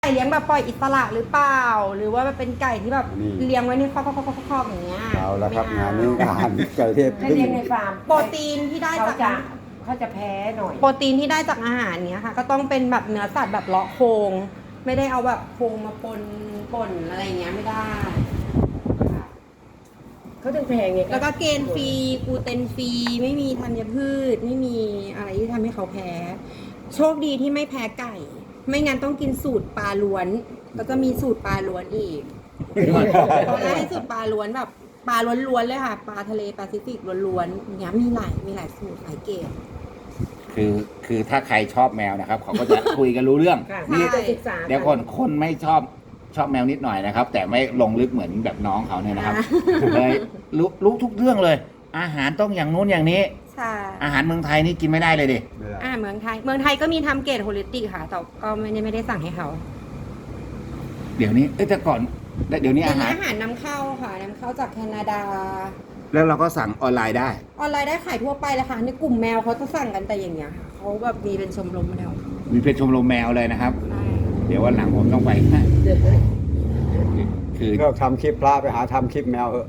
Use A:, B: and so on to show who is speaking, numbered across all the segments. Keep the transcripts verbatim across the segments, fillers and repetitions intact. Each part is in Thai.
A: ไก่เลี้ยงแบบปล่อยอิสระหรือเปล่า หรือว่าเป็นไก่ที่แบบ
B: นี่
A: เลี้ยงไว้ในคอกๆๆๆๆอย่างเงี้ย
B: เอาแล้วครับ
A: ไม่
B: งานนี้อาหารไก่เทพ
C: ถ้า
B: พึ่ง
C: เลี้ยงในฟาร์ม
A: โปรตีนที่ได้
C: เขา
A: จาก
C: จะเขาจะแพ้หน่อย
A: โปรตีนที่ได้จากอาหารเนี้ยค่ะ ก็ต้องเป็นแบบเนื้อสัตว์แบบเลาะโครงไม่ได้เอาแบบโครงมาปนป่นอะไรเงี้ยไม่ได้
C: เขาถึงแพงไง
A: แล้วก็เกณฑ์ฟรีกลูเตนฟรีไม่มีธัญพืช ไม่มีอะไรที่ทำให้เขาแพ้ โชคดีที่ไม่แพ้ไก่ ไม่งั้นต้องกินสูตรปลาล้วน แล้วก็มีสูตรปลาล้วนอีกตอนแรกให้สูตรปลาล้วนแบบปลาล้วนๆเลยค่ะ ปลาทะเลแปซิฟิกล้วนๆอย่างเงี้ยมีหลายมีหลายสูตรหลายเกรด
D: คือคือถ้าใครชอบแมวนะครับ เขาก็จะ คุยกันรู้เรื่อง
C: ค่ะ
A: นี่
C: นี่จะศึกษา
D: เดี๋ยวคนคนไม่ชอบชอบแมวนิดหน่อยนะครับ แต่ไม่ลงลึกเหมือนแบบน้องเขาเนี่ยนะครับเลยรู้รู้ทุกเรื่องเลย อาหารต้องอย่างนู้นอย่างนี้
A: ใช่
D: อาหารเมืองไทยนี่กินไม่ได้เลยดิ
B: ไม่ได้
A: อ่าเมืองไทย เมืองไทยก็มีทำเกรดโฮลิสติกค่ะ แต่ก็ไม่ได้ไม่ได้สั่งให้เขา
D: เดี๋ยวนี้เอ้ยแต่ก่อนเดี๋ยวนี้
A: เป็น
D: อาหาร
A: อาหารนำเข้าค่ะนำเข้าจากแคนาดา
D: แล้วเราก็สั่งออนไลน์ได้
A: ออนไลน์ได้ขายทั่วไปเลยค่ะในกลุ่มแมวเขาจะสั่งกันแต่อย่างเงี้ยค่ะเขาแบบมีเป็นชมรมแมว
D: มีเพจชมรมแมวเลยนะครับ
A: ใช่
D: เดี๋ยววันหลังผมต้องไปนะคือ
B: เลิกทำคลิปพระไปหาทำคลิปแมวเถอะ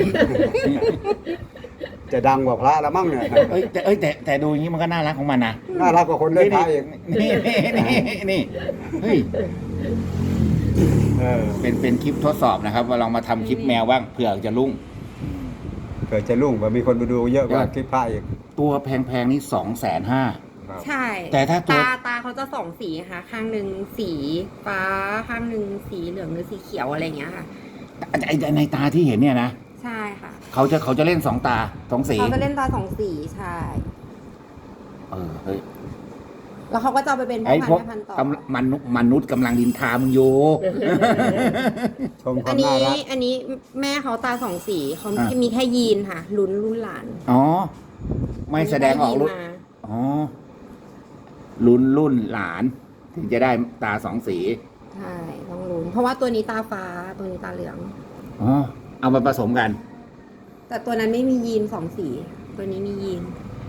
B: จะดังกว่าพระแล้วมั้งเนี่ย
D: เอ้ยแต่เอ้ยแต่แต่ดูอย่างนี้มันก็น่ารักของมันนะ
B: น่ารักกว่าคนเล่นพระอีก
D: นี่นี่นี่นี่เฮ้ย
B: เออ
D: เป็นเป็นคลิปทดสอบนะครับว่าลองมาทำคลิปแมวบ้างเผื่อจะรุ่ง
B: เกิดจะรุ่งว่ามีคนไปดูเยอะกว่าคลิปพระอีก
D: ตัวแพงๆนี่สองแสนห้า
B: ครับ
A: ใช่
D: แต่ถ้าตัว
A: ตาตาเขาจะสองสีค่ะ ข้างหนึ่งสีฟ้าข้างหนึ่งสีเหลืองหรือสีเขียวอะไรอย่างเงี้ยค่ะ
D: ไอ้ในตาที่เห็นเนี่ยนะ
A: ใช่ค่ะ
D: เขาจะเขาจะเล่นสองตาสองสี
A: เขาจะเล่นตาสองสีใช่
D: เออเฮ้ย
A: แล้วเขาก็จะเอาไปเป็นพ่
D: ไอ้
A: อ
D: พวก
A: พันธุ์แม่พันธุ์ต่อ
D: กำมนุษย์มนุษย์กำลังดินทามึงอยู่
B: ชมค
A: อั
B: วาน มน่า
A: นี้
B: รัก
A: อันนี้แม่เขาตาสองสีเขา
D: อ่ะ
A: มีแค่ยีนค่ะ ลุ้นรุ่นหลาน
D: อ๋อ ไม่แสดงออก
A: มี
D: รุ่น
A: ยีนมา
D: อ๋อรุ่นรุ่นหลาน ถึงจะได้ตาสองสี
A: ใช่ต้องลุ้นเพราะว่าตัวนี้ตาฟ้าตัวนี้ตาเหลือง
D: อ๋อเอามาผสมกัน
A: แต่ตัวนั้นไม่มียีนสองสี ตัวนี้มียีน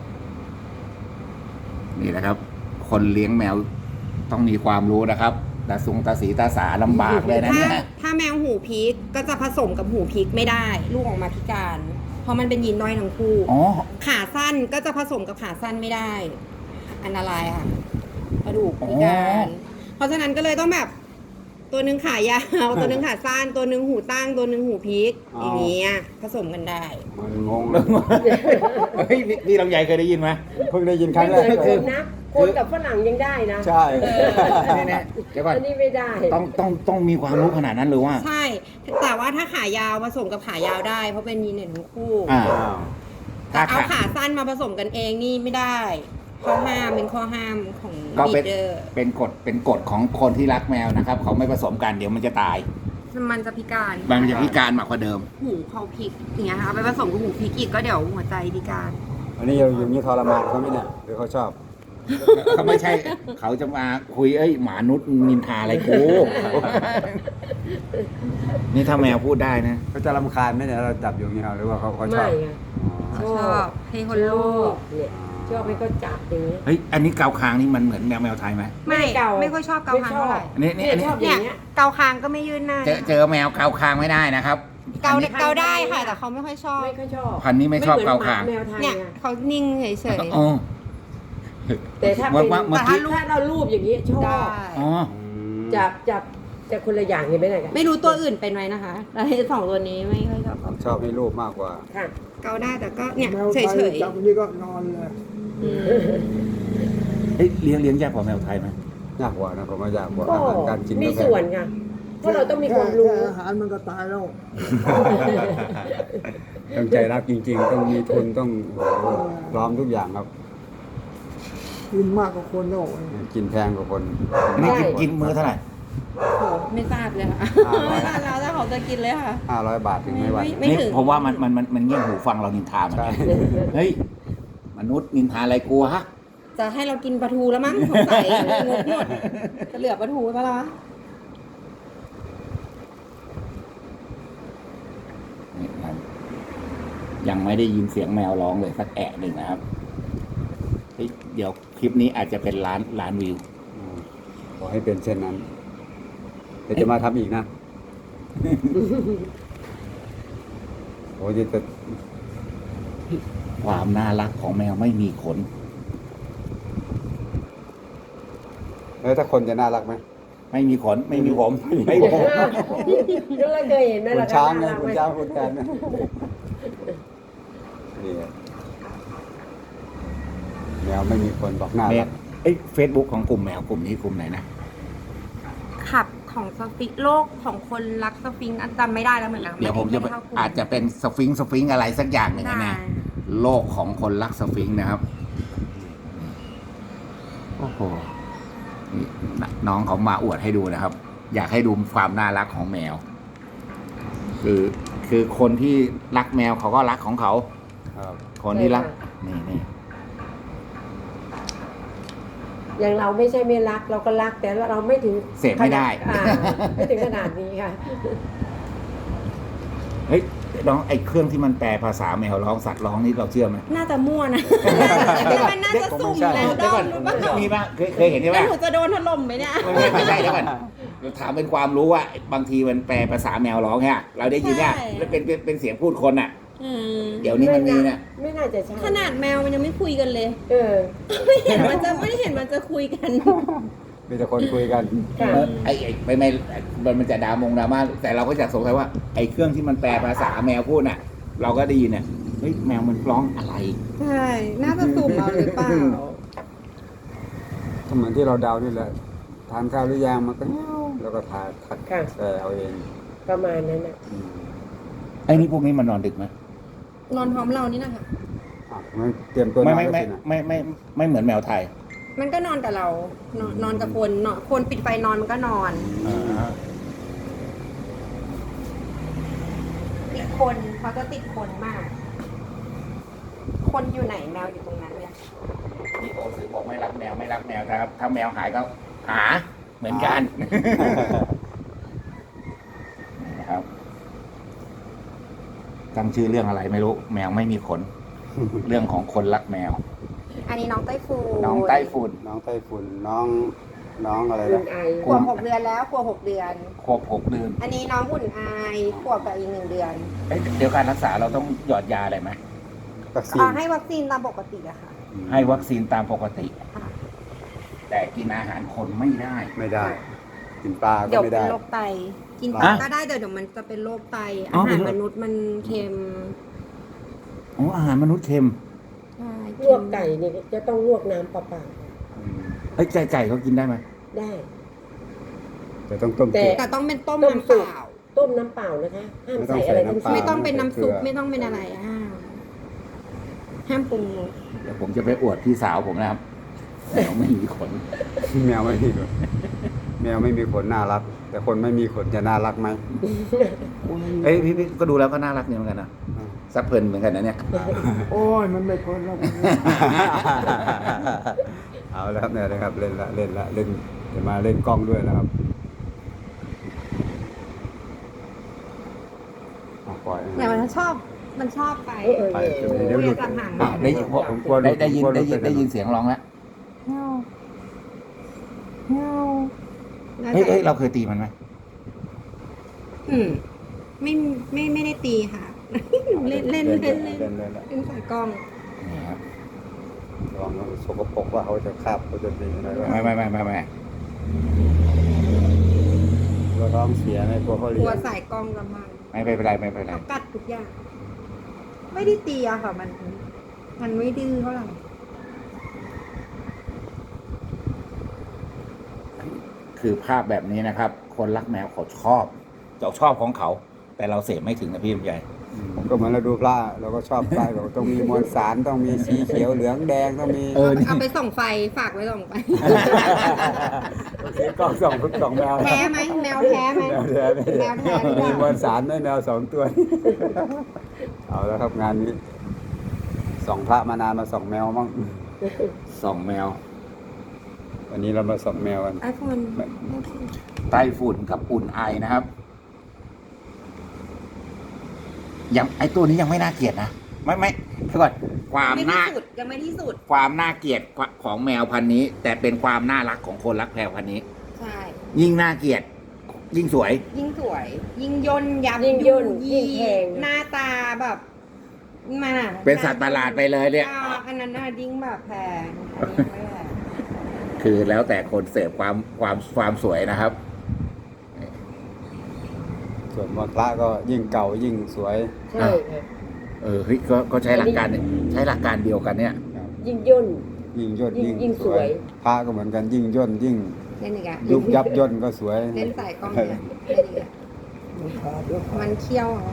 D: นี่แหละครับ คนเลี้ยงแมวต้องมีความรู้นะครับตาสุงตาสีตาสาลำบากเลยนะ
A: ถ้า
D: เนี่ย
A: ถ้าแมวหูพีกก็จะผสมกับหูพีกไม่ได้ ลูกออกมาพิการ เพราะมันเป็นยีนด้อยทั้งคู่
D: อ๋อ
A: ขาสั้นก็จะผสมกับขาสั้นไม่ได้ อันตรายค่ะกระดูกพิการ เพราะฉะนั้นก็เลยต้องแบบ ตัวหนึ่งขายาว ตัวหนึ่งขาสั้น ตัวหนึ่งหูตั้ง ตัวหนึ่งหูพีกอย่างเงี้ยผสมกันได้
B: มันงงเลย
D: เฮ้ยนี่นี่ลำไยเคยได้ยินไหม
B: เพิ่งได้ยินครั้
C: ไม่
B: ง
C: เห
B: แร
C: มื
B: ก
C: อน
B: เล
C: ค
B: ย
C: นนะ คนกับฝรั่งยังได้นะ
B: ใช่
D: นี่นะเดี๋ยวก่อน
C: อันนี้ไม่ได้
D: ต้องต้องต้องมีความรู้ขนาดนั้นหรือว่า
A: ใช่ แต่ว่าถ้าขายาวผสมกับขายาวได้ เพราะเป็นยีนเด่นทั้งคู่
D: อ่า
B: อ้าว
A: แต่เอาขาสั้นมาผสมกันเองนี่ไม่ได้ข้อห้ามเป็นข้อห้ามของ
D: ก็
A: บี
D: เป็น
A: เดอร์
D: เป็นกฎเป็นกฎของคนที่รักแมวนะครับ เขาไม่ผสมกันเดี๋ยวมันจะตาย
A: มันจะพิการ
D: มันจะพิการมากกว่าเดิม
A: หูเขาพลิกอย่างเงี้ยค่ะเอาไปผสมกับหูพลิกอีกก็เดี๋ยวหัวใจพิการ
B: อันนี้อย่างนี้ทรมานเขาไหมเนี่ยหรือเขาชอบ
D: เขาไม่ใช่ เขาจะมาคุยเอ้ยหมานุษย์นินทาอะไรกู นี่ถ้าแมวพูดได้นะ
B: เขาจะรำคาญไหมเนี่ยเราจับอยู่อย่างนี้หรือว่าเขาเขาชอ
C: ไม่
B: บ
C: ไง
B: อ๋อ
A: ชอบให้คนลูก
C: เนี่ยชอบให้เขาจับอย่างนี้
D: เฮ้ย อันนี้เกาคางนี่มันเหมือนแมวแมวไทยไหม
A: ไม่
C: ไม่เกา
A: ไม่ค่อยชอบเกาคางเท่าไหร่
D: อันนี้นี่อันนี้
C: ชอบอ
A: เนี่ย
C: ย่างเงี้ย
A: เกาคางก็ไม่ยื่นหน้า
D: เจอเจอแมวเกาคางไม่ได้นะครับ
A: เกา
D: อันนี้
A: เกาได้ค่ะ แต่เขาไม่ค่อยชอบ
C: ไม่ค่อยชอบ
D: พันธุ์นี้ไม่ชอบเกาคาง
C: ไม่หมือนหมแมวไทย
A: เนี่ย
C: ไง
A: เขานิ่งเฉย
D: อ๋อ
C: แต่ถ้า
D: เมื่
C: เป็
D: อน เมื่อกี้
C: ถ้าเรารูปอย่างนี้ช
A: ๆ
C: อ
A: ได้
C: บ
D: อ๋อ
C: จับจับจะคนละอย่างเห็นไหมเนี่ย
A: ไม่รู้ตัวอื่นเป็นไหมนะคะแต่ไอ้สองตัวนี้ไม่ค่อยชอบเกา
B: ชอบให้รูปมากกว่า
C: ค่ะ
A: เกาได้แต่ก็เนี่ย
E: แมว
A: เฉ
E: ไทย
A: ย
E: จับอันนี้ก็นอนเลย
A: ๆอืม
D: เฮ้ยเลี้ยงเลี้ยงยากกว่าแมวไทยไหม
B: ยากกว่านะผมว่ายากกว่า
C: ก็
B: อาหารการกิน
C: มี
B: ก็แพง
C: ส่วนค่ะเพราะเราต้องมีความรู้
E: แค่อาหารมันก็ตายแล้ว
B: ต้องใจรักจริง ๆ ต้องมีทุนต้องโอ้โหพร้อมทุกอย่างครับ
E: กินมากกว่าคนแล้ว
B: กินแพงกว่าคน
D: อันนี้กินกินมื้อเท่าไหร่
A: โหไม่ทราบเลยค่ะ
B: อ่า
A: ไม่ทราบแล้วถ้าเขาจะกินเลยค่ะ
B: ห้าร้อยบาทถึงไม่ไหว
A: ไม่
D: นี่
A: ถึง
D: ผมว่ามันมันมันมันเงี่ยหูฟังเรานินทามัน
B: ใช่
D: เฮ้ย มนุษย์นินทาอะไรกูฮะ
A: จะให้เรากินปลาทูแล้วมั้งสงสัยงบหมดจะเหลือปลาทูไว้ปะล่ะ
D: นี่ครับยังไม่ได้ยินเสียงแมวร้องเลยสักแอะหนึ่งนะครับเฮ้ยเดี๋ยวคลิปนี้อาจจะเป็นล้านล้านวิว
B: ขอให้เป็นเช่นนั้นเดี๋ยวจะมาทำอีกนะ โอ้ยจะ
D: ความน่ารักของแมวไม่มีขน
B: แล้วถ้าคนจะน่ารักไหม
D: ไม่มีขน ไม่มีผมไม่ผม
C: แล้วเราเคยเห็นไหม
B: คุณ
C: ล่ะ
B: ช้างไง
C: น่รัก
B: คุณ
C: ไหม
B: ช้างคุณแทนนะนี่แมวไม่มีคนบอกน่า
D: แม
B: รั
D: ว
B: ก
D: เอ้ยเฟซบุ๊กของกลุ่มแมวกลุ่มนี้กลุ่มไหนนะ
A: ขับของสฟิงค์โลกของคนรักสฟิงค์อันจำไม่ได้แล้วเหมือนกัน
D: เดี๋ยวผมจะ
A: ไได้เข้ากลุ่
D: อาจจะเป็นสฟิงค์สฟิงค์อะไรสักอย่างหนึ่ง
A: ได้
D: นะ โลกของคนรักสฟิงค์นะครับ โอ้โหนี่น้องเขามาอวดให้ดูนะครับ อยากให้ดูความน่ารักของแมว คือคือคนที่รักแมวเขาก็รักของเขา
B: ครับ
D: คนที่รัก นี่นี่
C: อย่างเราไม่ใช่ไม่รักเราก็รักแต่เราไม่ถึง
D: เสพไม่ได้
C: อ่าไม่ถึงขนาดนี้ค่ะ
D: เฮ้ยน้องไอ้เครื่องที่มันแปลภาษาแมวร้องสัตว์ร้องนี่เราเชื่อไหม
A: น่าจะมั่วนะมันน่าจะสุ่มแล้วด
D: เดี๋ยว
A: อ
D: ก่อ
A: ม
D: น
A: รู้ป่ะ
D: มีป่ะเคยเคยเห็นใช่
A: แล้ว
D: ป่ะ
A: หนูจะโดนถล่มไหมเนี่ย
D: ไม่ไม่ไม่ใช่เดี๋ยวก่อนถามเป็นความรู้ว่าบางทีมันแปลภาษาแมวร้องเนี่ยเราได้ยินเนี่ย
A: ใช่
D: แล้วเป็นเป็นเป็นเสียงพูดคนอ่ะ
A: อืม
D: เดี๋ยวนี้มันมีเนี่ย
C: ไม่น่าจะใช่
A: ขนาดแมวมันยังไม่คุยกันเลย
C: เออ
A: ไม่เห็นมันจะไม่ได้เห็นมันจะคุยกัน
B: มีแต่คนคุยกัน
C: ค่ะ
D: เออไอ้ไอ้ไม่ไม่มันมันจะดามงดราม่าแต่เราก็จะสงสัยว่าไอ้เครื่องที่มันแปลภาษาแมวพูดน่ะ เราก็ได้ยินเนี่ยเฮ้ยแมวมันร้องอะไร
A: ใช่ น่าจะสุ่มเอาหรือเปล่า
B: ก็เหมือนที่เราเดานี่แหละ ทานข้าวหรือยังมันก็เงี้ยวแล้วก็ทานทัด
C: ค่ะ
B: แต่เอาเอง
C: ประมาณนั้นน่ะ
B: อืม
D: ไอ้นี่พวกนี้มันนอนดึกไหม
A: นอนพร้อมเรานี่นะคะ
B: อ่ะมันเตรียมตัวน
D: ไม่
B: อน
D: ไม่
B: แล้ว
D: ไม่
B: สินะ
D: ไม่ไม่ไม่เหมือนแมวไทย
A: มันก็นอนกับเรา นอนนอนกับคนนอนคนปิดไฟนอนมันก็นอน
D: อ่า
A: ติดคนเขาจะติดคนมาก คนอยู่ไหนแมวอยู่ตรงนั้นเลย
D: นี่โอสือบอกไม่รักแมวไม่รักแมวนะครับ ถ้าแมวหายก็หาเหมือนกันนี่นะครับตั้งชื่อเรื่องอะไรไม่รู้ แมวไม่มีขน เรื่องของคนรักแมว
A: อันนี้น้องไต้ฝุ่น
D: น้องไต้ฝุ่น
B: น้องไต้ฝุ่นน้องน้องอะไร
C: คุ
B: นะ
C: ณไอ
A: ขวบหกเดือนแล้วขวบหกเดือน
D: ครบหกเดือน
A: อันนี้น้องอุ่นอายขวบกับอีกหนึ่งเดือน
D: เอ้ยเดี๋ยวการรักษาเราต้องหยอดยาอะไรไหม
B: วัคซีน
A: อ่าให้วัคซีนตามปกติอะค่ะ
D: ให้วัคซีนตามปกติ
A: ค่ะ
D: แต่กินอาหารคนไม่ได้
B: ไม่ได้ กินปลาก็
A: เดี๋ยว
B: ไม่
A: เป็
B: ได้
A: นโรคไต กินป
B: อ่ะ
A: ลาก็ได้แต่เดี๋ยวมันจะเป็นโรคไต
D: อ๋อ
A: อา
D: เป็
A: หาร
D: นโรค
A: มนุษย์มันเค็ม
D: อ๋ออาหารมนุษย์เค็ม
A: ใช่
C: ลวกไก่นี่จะต้องลวกน้ำเปล่า
B: อืม
D: เอ้ยไก่ไก่เขากินได้ไหม
C: ๆได้
B: แต่ต้องต้ม
C: แต่
B: เกลือ
A: แต่ต้องเป็นต้ม
C: ต้ม
A: น้ำ
C: สุ
A: เป
C: ก
A: ล่า
C: ต้มน้ำเปล่านะคะห้าม
B: ไม่ต้อง
C: ใส่อะไร
B: ใส่
C: ทั้ง
B: น้ำเปล่า
C: สิ้น
A: ไม่ต้องเป็นน้ำซุป
B: เกลือ
A: ไม่ต้องเป็นอะไรห้ามห้ามปรุงรส
D: เดี๋ยวผมจะไปอวดพี่สาวผมนะครับแมวไม่มีขน
B: แมวไม่มีขนแมวไม่มีขนน่ารัก แต่คนไม่มีขนจะน่ารักไหม
D: เอ้ยพี่พี่ก็ดูแล้วก็น่ารักเนี่ยเหมือนกันนะซับเพลินเหมือนกันนะเนี่ย
E: โอ้ยมันไม่พ้นแล้ว
B: เอาแล้วครับเนี่ยนะครับเล่นละเล่นละเล่นจะมาเล่นกล้องด้วยนะครับอ่ะปล่อย
A: แต่มันชอบมันชอบไป
C: เออเออ
B: ไป
C: เออ
B: เดี๋ยวหลุด
A: จะห่าง
D: อ่ะได้ยิน
B: ผมกลัวหลุ
D: ได้
B: ด
D: ได้ยิน
B: ผมกลัวหลุ
D: ได้
B: ด
D: ยิน
B: ไป
D: ได้ยิน
B: นะ
D: เสียงร้องแล้ว
A: เงาเงา
D: เฮ้ยเฮ้ยเราเคยตีมันไหม
A: อืมไม่ไม่ไม่ได้ตีค่ะ เล่นเล่นเล่นเล่น
B: เล่นเล่นละ
A: เล่นสายกล้อง
D: นี่ครับ
B: ลองมันสกปรกว่าเขาจะคาบเขาจะตีอะไรว่า
D: ไม่ไม่ไม่ไม่ไม่
B: เราท้องเสียในตัวเขา
A: ก
B: เลี้
A: ลั
B: ยว ง
A: สายกล้องละมัง
D: ไม่เป็นไรไม่เป็นไร
A: เขากัดทุกอย่าง ไม่ได้ตีอะค่ะ มัน มันไม่ดื้อเท่าไหร่
D: คือภาพแบบนี้นะครับ คนรักแมวเขาชอบเราชอบของเขา แต่เราเสพไม่ถึงนะพี่ลำไย
B: ผมก็เหมือนเราดูพระเราก็ชอบพระเราต้องมีมวลสารต้องมีสีเขียวเหลืองแดงต้องมี
D: เออ
A: เอาไปส่องไฟฝากไว้ส่องไฟ
B: ซื้อกล้องสองทุกสองแมว
A: แพ้ไหมแมวแพ้ไหม
B: แมวแท้ไม่
A: แมวแท้หรือเป
B: มี
A: ล่า
B: มวลสารด้วยแมวสองตัว เอาแล้วครับงานนี้สองพระมานานมาสองแมวมั้ง
D: สองแมว
B: วันนี้เรามาสองแมวกัน
A: ไอโฟน
D: ไต้ฝุ่นกับอุ่นไอนะครับ ยังไอตัวนี้ยังไม่น่าเกลียดนะไม่ไม่เดี๋ยวก่อนความ
A: ไม่
D: น่า
A: ที่สุดยังไม่ที่สุด
D: ความน่าเกลียดของแมวพันธุ์นี้ แต่เป็นความน่ารักของคนรักแมวพันธุ์นี้
A: ใช่
D: ยิ่งน่าเกลียดยิ่งสวย
A: ยิ่งสวย ยิ่งย่นยับ
C: ยิ่งย่น
A: ยี่
C: ยิ่งแพง
A: หน้าตาแบบมันอะ
D: เป็นสัตว์ประหลาดไปเลยเนี่ย
A: อ่าอันนั้นน่ะยิ่งแบบแพงอันนี้ไม่แพง
D: คือแล้วแต่คนเสพความความความสวยนะครับ
B: ส่วนมากพระก็ยิ่งเก่ายิ่งสวย
C: ใช่ค่ะ
D: เออเฮ้ยก็ก็ใช้หลักการใช้หลักการเดียวกันเนี่ย
C: ยิ่งย่น
B: ยิ่งย่น
C: ยิ่ง
B: ยิ่ง
C: ยิ่ง
B: ส
C: ส
B: ว
C: วย ย
B: พระก็เหมือนกันยิ่งย่นยิ่ง
A: เล่นอีกอะ
B: ยุบยับย่นก็สวย
A: เล่นใส่กล้องเนี่ยเล่นอีกอะมันเคี้ยวเหรอ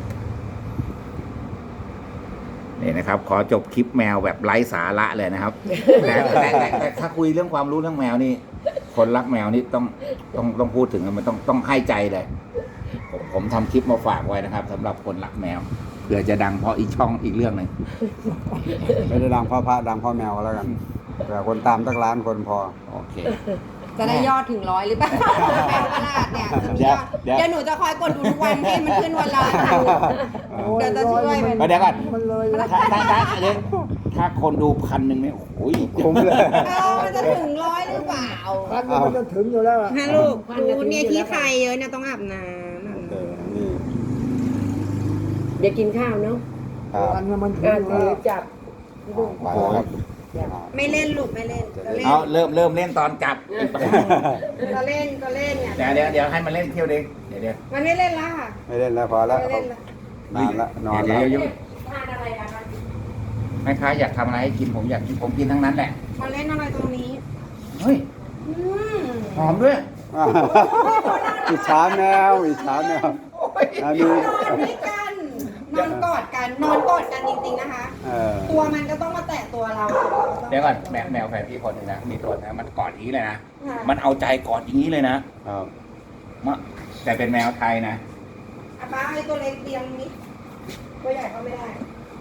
D: นี่นะครับ ขอจบคลิปแมวแบบไร้สาระเลยนะครับ แต่แต่แต่แต่ถ้าคุยเรื่องความรู้เรื่องแมวนี่ คนรักแมวนี่ต้องต้องต้องพูดถึงมันต้องต้องให้ใจเลย ผมผมทำคลิปมาฝากไว้นะครับสำหรับคนรักแมวเผื่อจะดังเพราะอีกช่องอีกเรื่องหนึ่ง
B: ไม่ได้ดังเพ่อพระดังเพ่อแมวก็แล้วกันแต่คนตามตั้งล้านคนพอ
D: โอเค
A: จะได้ยอดถึงร้อยหรือเปล่าแปลงตลาดเนี่ยจะมียอด
D: เดี๋ยว
A: เดี๋ยวหนูจะคอยกดดูทุกวันให้มันขึ้นวันละพันเดี๋ยวจะช่วยมัน
D: เดี๋ยวก่อน
E: มันเลยแล้ว
D: ถ้าถ้าถ้าเดี๋ยวถ้าคนดูพันหนึ่งเนี่ยโอ้ย
B: คุ้มเลย
A: เออมันจะถึงร้อยหรือเปล่า
E: พันมันจะถึงอยู่แล้วอะ
A: ฮะลูกดูเนี่ยที่ใครเยอะเนี่ยต้องอาบน้ำอาบ
B: เอ
A: น้
B: อนี่
C: เดี๋ยวกินข้าวเนาะ
B: ครับ
E: พันมันถึง
C: อ่า
E: อยู่
C: ถื
E: แล้
C: อ
E: ว
C: จับลูก
B: ไปแล้วครับ
A: ำไม่เล่นลูกไม่เล่นก็เล่น
D: เอาเริ่มเริ่มเล่นตอนกลับ
A: ก็เล่นก็เล่นเนี่ย
D: เดี๋ยวเดี๋ยวเดี๋ยวให้มันเล่นเที่ยวเดียวเดี๋ยวเดี๋ยว
A: มันไม่เล่นละค่ะ
B: ไม่เล่นแล้วพอแล้ว
A: ไม่เล่นละ
B: นานละนอน
D: เดี๋
B: แล้
D: ยว วเดี๋ยวเดี๋ยว
C: ทานอะไรกัน
D: แม่ค้าอยากทำอะไรให้กินผมอยากกินผมกินทั้งนั้นแหละ
A: มาเล่นอะไรตรงนี้
D: เฮ้ย
A: อืม
D: หอมด้วย
B: อิจฉาแมวอิจฉาแมวอันนี้
A: นอนด้วยกันนอนกอดกันนอนกอดกันจริงๆนะคะ
B: เออ
A: ตัวมันก็ต้องมาแตะตัวเรา
D: เดี๋ยวก่อนแมวแมวแฟนพี่คนหนึงนะมีตัวนะมันกอดอย่างนี้เลยนะ
A: ค่ะ
D: มันเอาใจกอดอย่างนี้เลยนะครับ มะแต่เป็นแมวไทยนะ
A: อาป้าไอ้ตัวเล็กเตียงนี้ตัวใหญ่เข้าไม่ได้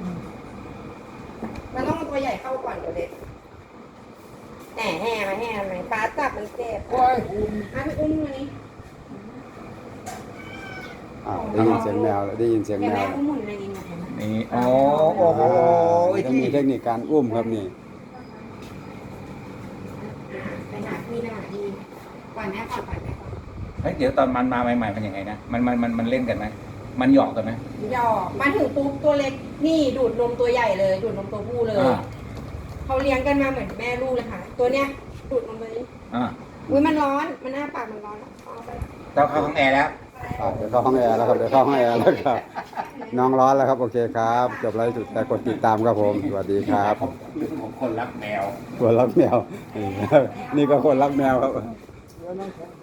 A: มันต้องเอาตัวใหญ่เข้าก่อนตัวเล็กแหน่แห่มาแห่ทำไมป้าจับมันเจ็บ
E: โอ้ย
A: อ่ะพี่อุ้มมานี่
B: อ้าวได้ยินเสียงแมวแล้วได้ยินเสียง
A: เดี๋ยว
B: แม
A: แม่
B: ว
A: อุ้มหมุนในนี้นะเห็นไหม
D: นี่โอ้โอ้โห
B: จะมีเทคนิคการอุ้มครับนี่
A: ไปหาพี่ไปหาพี่ปล่อยแม่ก่อนปล่อยแม่ก่อน
D: เฮ้ยเดี๋ยวตอนมันมาใหม่ๆมันยังไงนะมันมันมันมันเล่นกันไหมมันหยอกกันไหม
A: หยอกมาถึงปุ๊บตัวเล็กนี่ดูดนมตัวใหญ่เลย ดูดนมตัวผู้เลย
D: อ่า
A: เขาเลี้ยงกันมาเหมือนแม่ลูกเลยค่ะ ตัวเนี้ยดูดนมตัวนี้
D: อ่า
A: อุ้ยมันร้อน มันอ้าปากมันร้อนเอาไป
D: ต้องเข้าห้องแอร์แล้ว
B: อ่ะเดี๋ยวเข้าห้องแอร์แล้วครับเดี๋ยวเข้าห้องแอร์แล้วครับ น้องร้อนแล้วครับโอเคครับจบไลฟ์จุดแต่กดติดตามครับผมสวัสดีครับ
D: ผมคนรักแมว
B: คนรักแมวนี่ครับนี่ก็คนรักแมวครับ
E: เดี๋ยวน้องแข็ง